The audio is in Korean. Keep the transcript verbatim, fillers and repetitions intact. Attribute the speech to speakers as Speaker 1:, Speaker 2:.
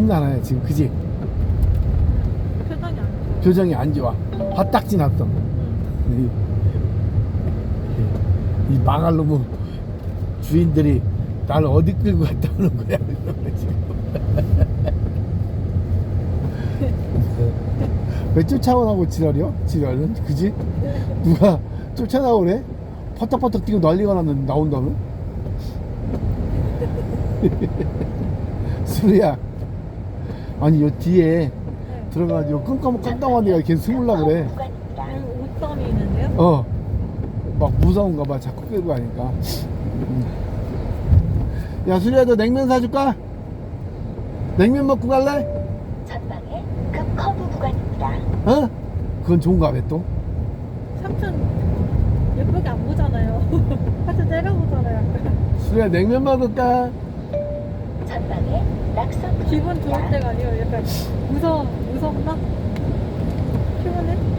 Speaker 1: 심란해 지금, 그지?
Speaker 2: 표정이 안 좋아.
Speaker 1: 표정이 안 좋아. 화딱지 났어. 이, 이 망할 놈의 주인들이 나를 어디 끌고 갔다 오는 거야 지금. 왜 쫓아오라고 지랄이요? 지랄은, 그지? 누가 쫓아나오래? 퍼떡퍼떡 뛰고 난리가 났는데 나온다면? 수리야, 아니 요 뒤에
Speaker 2: 네.
Speaker 1: 들어가가지고 깜깜 깜깜한 데가 걔 숨으려고 그래.
Speaker 2: 여기 옷감이 있는데요?
Speaker 1: 어, 막 무서운가 봐. 자꾸 끌고 가니까. 음. 야, 수리야, 너 냉면 사줄까? 냉면 먹고 갈래?
Speaker 3: 전방에 급 커브 구간입니다.
Speaker 1: 어? 그건 좋은가 봐 또.
Speaker 2: 삼촌 예쁘게 안 보잖아요. 같이 때려보잖아요. 약간.
Speaker 1: 수리야, 냉면 먹을까?
Speaker 3: 전방에 낙선
Speaker 2: 기분 좋을
Speaker 3: 구간입니다.
Speaker 2: 때가 아니에요. 약간 무서 무섭나? 피곤해?